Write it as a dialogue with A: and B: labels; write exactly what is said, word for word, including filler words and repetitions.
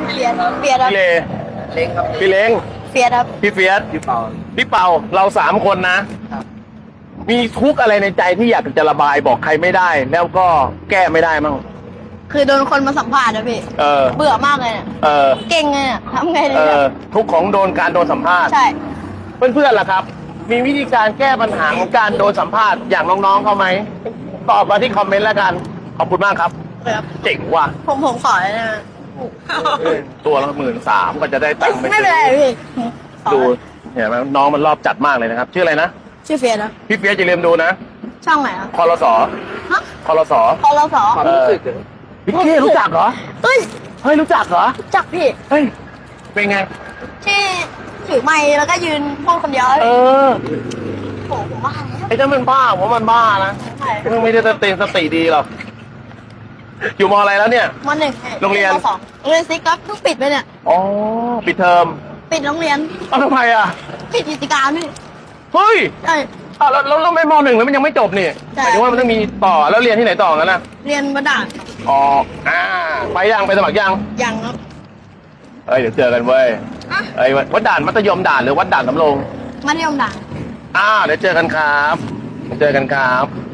A: เฟียสเฟียสครับ
B: พี่เล
C: เล้งครับ
B: พี่เล้ง
A: เฟียสครับ
B: พี่เฟียส
C: พี่เปา
B: พี่เป่าเราสามคนนะ
C: ครับ
B: มีทุกข์อะไรในใจที่อยากจะระบายบอกใครไม่ได้ แล้วก็แก้ไม่ได้มั้ง
A: คือโดนคนมาสัมภาษณ์นะพี่
B: เออ
A: เบื่อมากเลยเนี่ย
B: เออ
A: เก่งเลยเนี่ยทำไงดี
B: เอ
A: เนี่
B: อย ทุกข์ของโดนการโดนสัมภาษณ์
A: ใช่
B: เพื่อนๆล่ะครับ มีวิธีการแก้ปัญหาของการโดนสัมภาษณ์อย่างน้องๆเขาไหมตอบมาที่คอมเมนต์แล้วกันขอบคุณมากครับ
A: ครับ
B: เจ๋งว่ะ
A: ผมผมขอเลยนะ
B: ตัวละหมื่นสามก็จะได้ตังค์
A: ไม่เป็นไรพี่ขอ
B: ดูเห็นไหมน้องมันรอบจัดมากเลยนะครับ ชื่ออะไรนะ
A: ชื่อเฟียสนะ
B: พี่เฟียสอย่าลืมดูนะ
A: ช่องไหนครับ
B: คอรสอ
A: ฮะ
B: คอรสอ
A: คอรส
C: ความรู้สึกเหรอ
B: พี่เก้รู้จักเหรอ
A: เฮ้ย
B: เฮ้ยรู้จักเหรอ
A: จักพี่
B: เฮ้ยเป็นไง
A: ที่ถือไมค์แล้วก็ยืนพูดคนเดียว
B: เออ
A: โอ้โหผมว่าแล้ว
B: ไอ้เจ้ามันบ้าผมว่ามันบ้านะ
A: ใช่
B: มึงไม่ได้สติสติดีหรอกอยู่มอะไรแล้วเนี่ย
A: มหนึ่ง
B: โรงเรียน
A: มสองโรงเรียนซิกครับเพิ่งปิดไปเนี่ย
B: อ๋อปิดเทอม
A: ปิดโรงเรียน
B: เอาทำไมอ่ะ
A: ปิดกิจการพี่
B: เฮ้ย
A: ใช่
B: อ้าวแล้วแล้วแล้วไม่มหนึ่งแล้วมันยังไม่จบนี่
A: ใช่
B: หมายถึงว่ามันต้องมีต่อแล้วเรียนที่ไหนต่อกันนะ
A: เรียนบัดดาล
B: อ๋ออ่าไปยังไปสมัครยัง
A: ยังครับ
B: เอ้ยเดี๋ยวเจอกันเว้ย
A: อ่ะ
B: เอ้ยวัดด่านมัธยมด่านหรือวัดด่านสำโรง
A: มัธยมด่าน
B: อ่าเดี๋ยวเจอกันครับเดี๋ยวเจอกันครับ